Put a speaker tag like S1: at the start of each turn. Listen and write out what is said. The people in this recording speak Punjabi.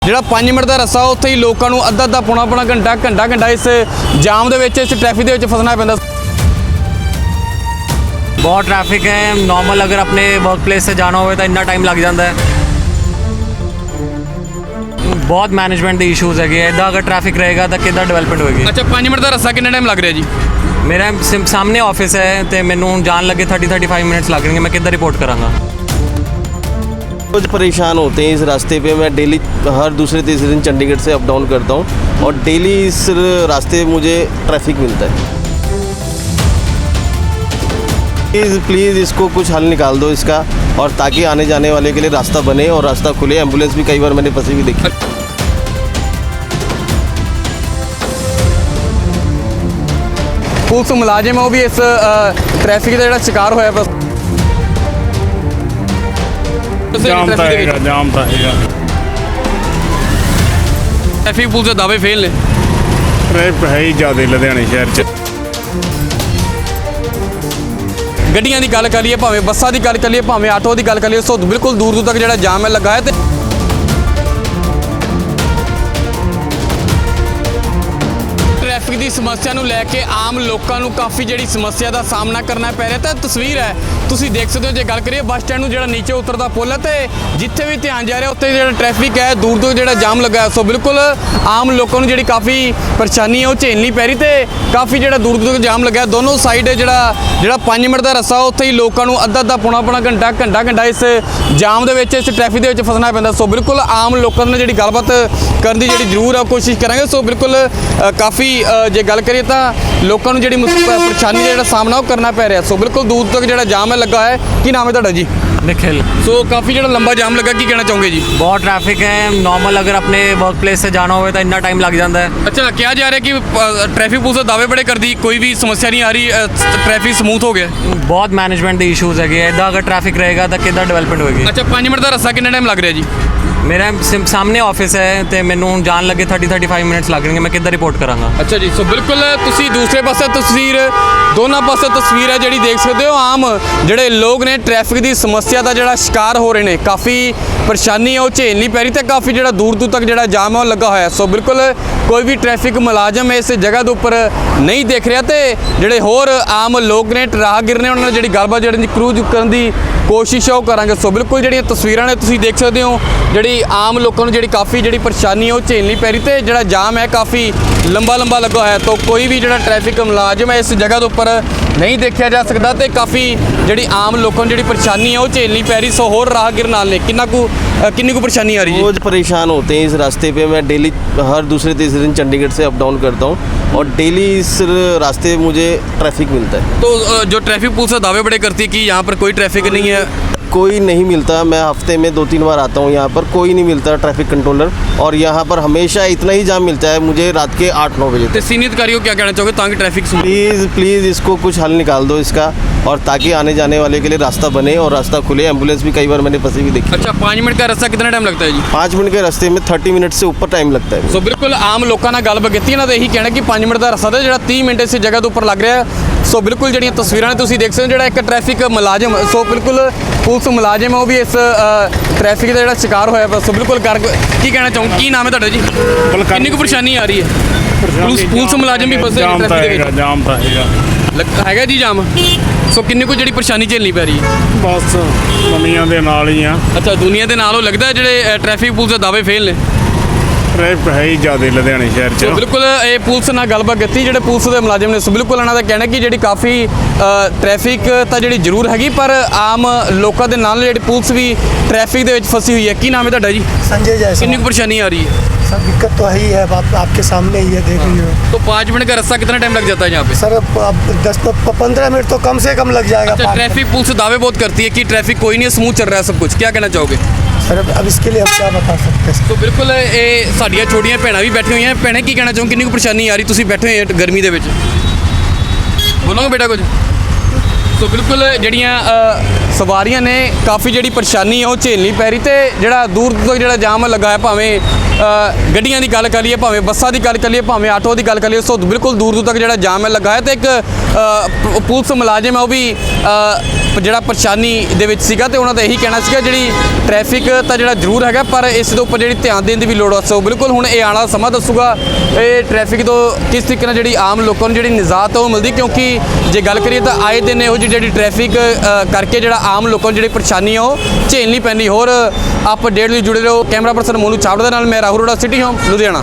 S1: ਜਿਹੜਾ 5 ਮਿੰਟ ਦਾ ਰਸਾ ਉੱਥੇ ਹੀ ਲੋਕਾਂ ਨੂੰ ਅੱਧਾ ਪੌਣਾ ਘੰਟਾ ਇਸ ਜਾਮ ਦੇ ਵਿੱਚ ਇਸ ਟ੍ਰੈਫਿਕ ਦੇ ਵਿੱਚ ਫਸਣਾ ਪੈਂਦਾ।
S2: बहुत ट्रैफिक है। नॉर्मल अगर अपने वर्क प्लेस से जाना हो तो इतना टाइम लग जाता है। बहुत मैनेजमेंट के इशूज़ है इदा अगर ट्रैफिक रहेगा तो कितना डेवलपमेंट होगी।
S1: अच्छा 5 मिनट का रस्सा कितना टाइम लग रहा जी?
S2: मेरा सामने ऑफिस है तो मैनू जान लगे 30-35 मिनट्स लग रहे मैं किधर रिपोर्ट कराँगा।
S3: रोज परेशान होते हैं इस रास्ते पे। मैं डेली हर दूसरे तीसरे दिन चंडीगढ़ से अप डाउन करता हूँ और डेली इस रास्ते मुझे ट्रैफिक मिलता है। प्लीज़ इसको कुछ हल निकाल दो इसका, और ताकि आने जाने वाले के लिए रास्ता बने और रास्ता खुले। एम्बुलेंस भी कई बार मैंने फंसी हुई देखी।
S1: पुलिस मुलाजिम है वो भी इस ट्रैफिक का जो शिकार होया बस
S4: जाम ਤਾਂ ਹੈਗਾ।
S1: ट्रैफिक पुलिस के दावे फेल ने।
S4: ਟ੍ਰੈਫਿਕ ਹੈ ਹੀ ਜ਼ਿਆਦਾ ਲੁਧਿਆਣੇ ਸ਼ਹਿਰ 'ਚ।
S1: ਗੱਡੀਆਂ ਦੀ ਗੱਲ ਕਰੀਏ, ਭਾਵੇਂ ਬੱਸਾਂ ਦੀ ਗੱਲ ਕਰੀਏ, ਭਾਵੇਂ ਆਟੋ ਦੀ ਗੱਲ ਕਰੀਏ, ਸੋ ਬਿਲਕੁਲ ਦੂਰ ਤੱਕ ਜਿਹੜਾ ਜਾਮ ਹੈ ਲੱਗਾ ਹੈ। ਤੇ ट्रैफिक की समस्या ਨੂੰ ਲੈ ਕੇ ਆਮ ਲੋਕਾਂ ਨੂੰ ਕਾਫੀ ਜਿਹੜੀ ਸਮੱਸਿਆ ਦਾ ਸਾਹਮਣਾ ਕਰਨਾ ਪੈ ਰਿਹਾ। ਤਾਂ ਤਸਵੀਰ ਹੈ ਤੁਸੀਂ ਦੇਖ ਸਕਦੇ ਹੋ। ਜੇ ਗੱਲ ਕਰੀਏ ਬੱਸ ਸਟੈਂਡ ਨੂੰ ਜਿਹੜਾ ਨੀਚੇ ਉਤਰਦਾ ਪੁੱਲ ਹੈ ਤੇ ਜਿੱਥੇ ਵੀ ਧਿਆਨ ਜਾ ਰਿਹਾ ਉੱਥੇ ਜਿਹੜਾ ਟ੍ਰੈਫਿਕ ਹੈ ਦੂਰ ਤੋਂ ਜਿਹੜਾ ਜਾਮ ਲੱਗਾ। ਸੋ ਬਿਲਕੁਲ ਆਮ ਲੋਕਾਂ ਨੂੰ ਜਿਹੜੀ ਕਾਫੀ ਪਰੇਸ਼ਾਨੀ ਹੈ ਉਹ ਝੇਲਣੀ ਪੈ ਰਹੀ ਤੇ ਕਾਫੀ ਜਿਹੜਾ ਦੂਰ ਤੱਕ ਜਾਮ ਲੱਗਾ ਦੋਨੋਂ ਸਾਈਡ ਜਿਹੜਾ 5 ਮਿੰਟ ਦਾ ਰਸਾ ਉੱਥੇ ਹੀ ਲੋਕਾਂ ਨੂੰ ਅੱਧਾ ਪੌਣਾ ਘੰਟਾ ਇਸ ਜਾਮ ਦੇ ਵਿੱਚ ਇਸ ਟ੍ਰੈਫਿਕ ਦੇ ਵਿੱਚ ਫਸਣਾ ਪੈਂਦਾ। ਸੋ ਬਿਲਕੁਲ ਆਮ ਲੋਕਾਂ ਨਾਲ ਜਿਹੜੀ ਗੱਲਬਾਤ ਕਰਨ ਦੀ ਜਿਹੜੀ ਜ਼ਰੂਰ ਆ ਕੋਸ਼ਿਸ਼ ਕਰਾਂਗੇ। ਸੋ ਬਿਲਕੁਲ ਕਾਫੀ ਜੇ ਗੱਲ ਕਰੀਏ ਤਾਂ ਲੋਕਾਂ ਨੂੰ ਜਿਹੜੀ ਪਰੇਸ਼ਾਨੀ ਦਾ ਜਿਹੜਾ ਸਾਹਮਣਾ ਉਹ ਕਰਨਾ ਪੈ ਰਿਹਾ। ਸੋ ਬਿਲਕੁਲ ਦੂਰ ਤੱਕ ਜਿਹੜਾ ਜਾਮ ਹੈ ਲੱਗਾ ਹੈ। ਕੀ ਨਾਮ ਹੈ ਤੁਹਾਡਾ ਜੀ?
S2: निखिल।
S1: सो काफ़ी जो लंबा जाम लगा, की कहना चाहोगे जी?
S2: बहुत ट्रैफिक है। नॉर्मल अगर अपने वर्क प्लेस से जाना हो तो इतना टाइम लग जाता है।
S1: अच्छा क्या जा रहा है कि ट्रैफिक पुलिस दावे बड़े कर दी, कोई भी समस्या नहीं आ रही, ट्रैफिक स्मूथ हो गया?
S2: बहुत मैनेजमेंट के इशूज़ है इदा अगर ट्रैफिक रहेगा तो कितना डेवलपमेंट होगी।
S1: अच्छा 5 मिनट का रस्सा कितना टाइम लग रहा है जी?
S2: मेरा सामने ऑफिस है तो मैनू जान लगे 30-35 मिनट्स लग रहे मैं किधर रिपोर्ट कराँगा।
S1: अच्छा जी। सो बिल्कुल तुसी दूसरे पासे तस्वीर, दोनों पासे तस्वीर है जी देख सकते हो। आम ਜਿਹੜੇ ਲੋਕ ਨੇ ਟ੍ਰੈਫਿਕ ਦੀ ਸਮੱਸਿਆ ਦਾ ਜਿਹੜਾ ਸ਼ਿਕਾਰ ਹੋ ਰਹੇ ਨੇ, ਕਾਫੀ ਪਰੇਸ਼ਾਨੀ ਉਹ ਝੇਲਣੀ ਪੈ ਰਹੀ ਤੇ ਕਾਫੀ ਜਿਹੜਾ ਦੂਰ ਤੱਕ ਜਿਹੜਾ ਜਾਮ ਹੈ ਉਹ ਲੱਗਾ ਹੋਇਆ। ਸੋ ਬਿਲਕੁਲ ਕੋਈ ਵੀ ਟ੍ਰੈਫਿਕ ਮੁਲਾਜ਼ਮ ਇਸ ਜਗ੍ਹਾ ਦੇ ਉੱਪਰ ਨਹੀਂ ਦੇਖ ਰਿਹਾ ਤੇ ਜਿਹੜੇ ਹੋਰ ਆਮ ਲੋਕ ਨੇ, ਰਾਹਗੀਰ ਨੇ, ਉਹਨਾਂ ਨਾਲ ਜਿਹੜੀ ਗੱਲਬਾਤ ਜਿਹੜੀ ਕਰੂਜ਼ ਕਰਨ ਦੀ ਕੋਸ਼ਿਸ਼ ਉਹ ਕਰਾਂਗੇ। ਸੋ ਬਿਲਕੁਲ ਜਿਹੜੀਆਂ ਤਸਵੀਰਾਂ ਨੇ ਤੁਸੀਂ ਦੇਖ ਸਕਦੇ ਹੋ, ਜਿਹੜੀ ਆਮ ਲੋਕਾਂ ਨੂੰ ਜਿਹੜੀ ਕਾਫੀ ਜਿਹੜੀ ਪਰੇਸ਼ਾਨੀ ਉਹ ਝੇਲਣੀ ਪੈ ਰਹੀ ਤੇ ਜਿਹੜਾ ਜਾਮ ਹੈ ਕਾਫੀ ਲੰਬਾ ਲੱਗਾ ਹੋਇਆ। ਤਾਂ ਕੋਈ ਵੀ ਜਿਹੜਾ ਟ੍ਰੈਫਿਕ ਮੁਲਾਜ਼ਮ ਹੈ ਇਸ ਜਗ੍ਹਾ ਦੇ ਉੱਪਰ ਨਹੀਂ ਦੇਖਿਆ ਜਾ ਸਕਦਾ ਤੇ ਕਾਫੀ ਜਿਹੜੀ ਆਮ ਲੋਕਾਂ ਨੂੰ ਜਿਹੜੀ ਪਰੇਸ਼ਾਨੀ ਹੈ ਉਹ ਝੇਲਣੀ ਪੈ ਰਹੀ। ਸੋ ਹੋਰ ਰਾਹਗੀਰ ਨਾਲ ਨੇ किन्नी को परेशानी आ रही है?
S3: रोज परेशान होते हैं इस रास्ते पे। मैं डेली हर दूसरे तीसरे दिन चंडीगढ़ से अप डाउन करता हूँ और डेली इस रास्ते मुझे ट्रैफिक मिलता है।
S1: तो जो ट्रैफिक पुलिस दावे बड़े करती है कि यहाँ पर कोई ट्रैफिक नहीं है?
S3: कोई नहीं मिलता। मैं हफ्ते में 2-3 बार आता हूँ यहाँ पर, कोई नहीं मिलता ट्रैफिक कंट्रोलर। और यहाँ पर हमेशा इतना ही जाम मिलता है मुझे रात के 8-9 बजे
S1: तो सीनियर अधिकारी को क्या कहना चाहोगे ताकि ट्रैफिक
S3: प्लीज़ इसको कुछ हल निकाल दो इसका, और ताकि आने जाने वाले के लिए रास्ता बने और रास्ता खुले। एम्बुलेंस भी कई बार मैंने फंसी हुई देखी।
S1: अच्छा 5 मिनट का रास्ता कितना टाइम लगता है जी?
S3: 5 मिनट के रास्ते में 30 मिनट से ऊपर टाइम लगता है।
S1: सो बिल्कुल आम लोगों ਨਾਲ ਗੱਲਬਾਤ ਕੀਤੀ ਇਹਨਾਂ ਦਾ ਇਹੀ ਕਹਿਣਾ ਕਿ 5 ਮਿੰਟ ਦਾ ਰਸਤਾ ਤੇ ਜਿਹੜਾ 30 ਮਿੰਟ ਇਸ ਜਗ੍ਹਾ ਦੇ ਉੱਪਰ ਲੱਗ ਰਿਹਾ। ਸੋ ਬਿਲਕੁਲ ਜਿਹੜੀਆਂ ਤਸਵੀਰਾਂ ਨੇ ਤੁਸੀਂ ਦੇਖ ਸਕਦੇ ਹੋ, ਜਿਹੜਾ ਇੱਕ ਟ੍ਰੈਫਿਕ ਮੁਲਾਜ਼ਮ, ਸੋ ਬਿਲਕੁਲ ਪੁਲਿਸ ਮੁਲਾਜ਼ਮ ਹੈ ਉਹ ਵੀ ਇਸ ਟ੍ਰੈਫਿਕ ਦਾ ਜਿਹੜਾ ਸ਼ਿਕਾਰ ਹੋਇਆ। ਸੋ ਬਿਲਕੁਲ ਕੀ ਕਹਿਣਾ ਚਾਹੂੰ? ਕੀ ਨਾਮ ਹੈ ਤੁਹਾਡਾ ਜੀ? ਕਿੰਨੀ ਕੁ ਪਰੇਸ਼ਾਨੀ ਆ ਰਹੀ ਹੈ? ਪੁਲਿਸ ਮੁਲਾਜ਼ਮ ਵੀ ਫਸੇ ਟ੍ਰੈਫਿਕ ਦੇ ਵਿੱਚ।
S4: ਜਾਮ ਤਾਂ
S1: ਹੈਗਾ ਜੀ ਜਾਮ। ਸੋ ਕਿੰਨੀ ਕੁ ਜਿਹੜੀ ਪਰੇਸ਼ਾਨੀ ਝੇਲਣੀ ਪੈ ਰਹੀ ਹੈ?
S4: ਬਸ ਦੁਨੀਆ ਦੇ ਨਾਲ ਹੀ ਆ।
S1: ਅੱਛਾ ਦੁਨੀਆ ਦੇ ਨਾਲ ਉਹ ਲੱਗਦਾ ਜਿਹੜੇ ਟ੍ਰੈਫਿਕ ਪੁਲਿਸ ਦੇ ਦਾਅਵੇ ਫੇਲ ਨੇ।
S4: ਟ੍ਰੈਫਿਕ ਹੈ ਹੀ ਜ਼ਿਆਦਾ ਲੁਧਿਆਣੇ ਸ਼ਹਿਰ 'ਚ।
S1: ਬਿਲਕੁਲ ਇਹ ਪੁਲਿਸ ਨਾਲ ਗੱਲਬਾਤ ਕੀਤੀ ਜਿਹੜੇ ਪੁਲਿਸ ਦੇ ਮੁਲਾਜ਼ਮ ਨੇ। ਸੋ ਬਿਲਕੁਲ ਉਹਨਾਂ ਦਾ ਕਹਿਣਾ ਕਿ ਜਿਹੜੀ ਕਾਫੀ ਟ੍ਰੈਫਿਕ ਤਾਂ ਜਿਹੜੀ ਜ਼ਰੂਰ ਹੈਗੀ ਪਰ ਆਮ ਲੋਕਾਂ ਦੇ ਨਾਲ ਜਿਹੜੀ ਪੁਲਿਸ ਵੀ ਟ੍ਰੈਫਿਕ ਦੇ ਵਿੱਚ ਫਸੀ ਹੋਈ ਹੈ। ਕੀ ਨਾਮ ਹੈ ਤੁਹਾਡਾ ਜੀ?
S5: संजय जायसवाल।
S1: कितनी कुछ परेशानी आ रही है?
S5: सर दिक्कत तो है ही है, आपके सामने ही है, देख रही हो।
S1: तो 5 मिनट का रास्ता कितना टाइम लग जाता है यहाँ पे?
S5: सर अब 10-15 मिनट तो कम से कम लग जाएगा।
S1: अच्छा ट्रैफिक पुलिस दावे बहुत करती है कि ट्रैफिक कोई नहीं है, स्मूथ चल रहा है सब कुछ, क्या कहना चाहोगे?
S5: सर अब इसके लिए हम क्या बता सकते हैं?
S1: तो बिल्कुल ਇਹ ਸਾਡੀਆਂ ਛੋਟੀਆਂ ਭੈਣਾਂ ਵੀ ਬੈਠੀਆਂ ਹੋਈਆਂ। ਭੈਣੇ ਕੀ ਕਹਿਣਾ ਚਾਹੋ? ਕਿੰਨੀ ਕੁ ਪਰੇਸ਼ਾਨੀ ਆ ਰਹੀ? ਤੁਸੀਂ ਬੈਠੇ ਹੋਏ ਹੋ ਗਰਮੀ ਦੇ ਵਿੱਚ, ਬੋਲੋਗੇ ਬੇਟਾ ਕੁਝ? ਸੋ ਬਿਲਕੁਲ ਜਿਹੜੀਆਂ ਸਵਾਰੀਆਂ ਨੇ ਕਾਫੀ ਜਿਹੜੀ ਪਰੇਸ਼ਾਨੀ ਉਹ ਝੇਲਣੀ ਪੈ ਰਹੀ ਤੇ ਜਿਹੜਾ ਦੂਰ ਤੱਕ ਜਿਹੜਾ ਜਾਮ ਲੱਗਾ ਹੈ, ਭਾਵੇਂ ਗੱਡੀਆਂ ਦੀ ਗੱਲ ਕਰੀਏ, ਭਾਵੇਂ ਬੱਸਾਂ ਦੀ ਗੱਲ ਕਰੀਏ, ਭਾਵੇਂ ਆਟੋ ਦੀ ਗੱਲ ਕਰੀਏ। ਸੋ ਬਿਲਕੁਲ ਦੂਰ ਤੱਕ ਜਿਹੜਾ ਜਾਮ ਹੈ ਲੱਗਾ ਹੈ ਤੇ ਇੱਕ ਪੁਲਿਸ ਮੁਲਾਜ਼ਮ ਹੈ ਉਹ ਵੀ ਜਿਹੜਾ ਪਰੇਸ਼ਾਨੀ ਦੇ ਵਿੱਚ ਸੀਗਾ ਤੇ ਉਹਨਾਂ ਦਾ ਇਹੀ ਕਹਿਣਾ ਸੀਗਾ ਜਿਹੜੀ ਟ੍ਰੈਫਿਕ ਤਾਂ ਜਿਹੜਾ ਜ਼ਰੂਰ ਹੈਗਾ ਪਰ ਇਸ ਦੇ ਉੱਪਰ ਜਿਹੜੀ ਧਿਆਨ ਦੇਣ ਦੀ ਵੀ ਲੋੜ ਆ। ਸੋ ਬਿਲਕੁਲ ਹੁਣ ਇਹ ਆਉਣ ਵਾਲਾ ਸਮਾਂ ਦੱਸੂਗਾ ਇਹ ਟ੍ਰੈਫਿਕ ਤੋਂ ਕਿਸ ਤਰੀਕੇ ਨਾਲ ਜਿਹੜੀ ਆਮ ਲੋਕਾਂ ਨੂੰ ਜਿਹੜੀ ਨਿਜਾਤ ਉਹ ਮਿਲਦੀ, ਕਿਉਂਕਿ ਜੇ ਗੱਲ ਕਰੀਏ ਤਾਂ ਆਏ ਦਿਨ ਇਹੋ ਜਿਹੀ ਜਿਹੜੀ ਟ੍ਰੈਫਿਕ ਕਰਕੇ ਜਿਹੜਾ ਆਮ ਲੋਕਾਂ ਨੂੰ ਜਿਹੜੀ ਪਰੇਸ਼ਾਨੀ ਆ ਉਹ ਝੇਲਣੀ ਪੈਂਦੀ। ਹੋਰ ਅਪਡੇਟ ਲਈ ਜੁੜੇ ਰਹੋ। ਕੈਮਰਾ ਪਰਸਨ ਮੋਨੂ ਚਾਵੜਾ ਦੇ ਨਾਲ ਮੈਂ ਰਾਹੁਲ ਰੋੜਾ, ਸਿਟੀ ਹੋਮ ਲੁਧਿਆਣਾ।